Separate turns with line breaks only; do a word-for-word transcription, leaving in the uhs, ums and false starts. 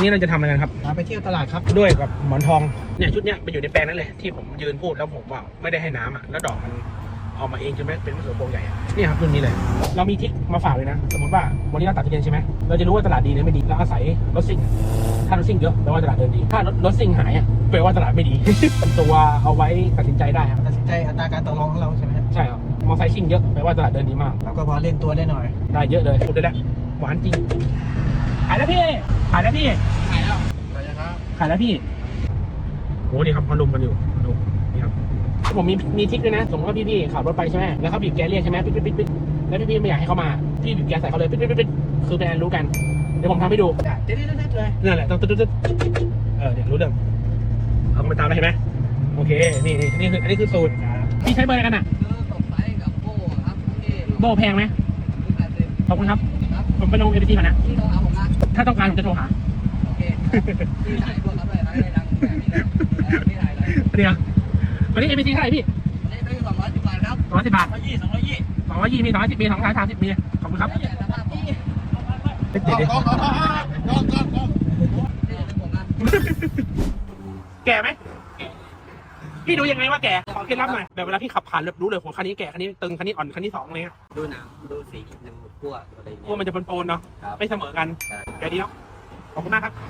นี้เราจะทำอะไรกันครับ
ไปเที่ยวตลาดครับ
ด้วยกับหมอนทองเนี่ยชุดเนี้ยไปอยู่ในแปลงนั้นเลยที่ผมยืนพูดแล้วผมว่าไม่ได้ให้น้ำอ่ะแล้วดอกมันออกมาเองจนไม่เป็นมะเขือพวงใหญ่นี่ครับรุ่นนี้เลยเรามีทิกมาฝากเลยนะสมมติว่าวันนี้เราตัดทุเรียนใช่ไหมเราจะรู้ว่าตลาดดีหรือไม่ดีเราอาศัยรถซิ่งถ้ารถซิ่งเยอะแปลว่าตลาดเดินดีถ้ารถรถซิ่งหายอ่ะแปลว่าตลาดไม่ดี ตัวเอาไว้ตัดสินใจได้ครับ
ตัดสินใจอัตราการต่อรองของเราใช่ไหม
ใช่ครับมอไซค์ซิ่งเยอะแปลว่าตลาดเดินดีมาก
เราก็พอเล่นตัวได้หน่อย
ได้เยอะเลยพูดได้แล้วหวานจริงขายแล้วพี่ขายแล้วพี่
ขายแล้วขายแล้วครับ
ขายแล้วพี่โหนี่ครับเขาลุมกันอยู่ดูนี่ครับผมมีมีทิกด้วยนะสมมติว่าพี่ๆขับรถไปใช่ไหมแล้วเขาบีบแกเรียกใช่ไหมปิ๊ดปิ๊ดปิ๊ดปิ๊ดแล้วพี่ๆไม่อยากให้เขามาพี่บีบแกใส่เขาเลยปิ๊ดปิ๊ดปิ๊ดคือเป็นอันรู้กันเดี๋ยวผมทำให้ดู
เด็ดเด็ดเลย
นั่นแหละต้องตึ๊ดตึ๊ดเออเนี่ยรู้เรื่องเอาไปตามได้เห็นไหมโอเคนี่นี่นี่คืออันนี้คือสูตรพี่ใช้เบอร์อะไรกันอ่ะโบแพงไหมขอบคุณครับผมไปลงเอพีทีก่อนนะถ้าต้องการผมจะโทรหา
โอเคพี่ถ่ายพวกเขาเลยนะได้ดังพี่ถ่ายเลย
เดี๋ยววันนี้เอพีทีเท่าไหร่พี่
นี่ได้สองร้อยสิบบาทครับ
สองร้อยสิบบาท
สองร้อยยี่สองร้อยยี่
สองร้อยยี่มีสองร้อยสิบมีสองร้อยสามสิบมีขอบคุณครับติดดิแก่ไหมพี่ดูยังไงว่าแก่ขอเคล็ดลับหน่อยแบบเวลาพี่ขับผ่านเลยรู้เลยหัวคันนี้แก่คันนี้ตึงคันนี้อ่อนคันนี้สองอะไรเงี้ย
ดูหนังดูสีดูขั้วอะไร
พวกมันจะปนๆเนาะไม่เสมอกันแก่ดีเนาะขอบคุณมากครับ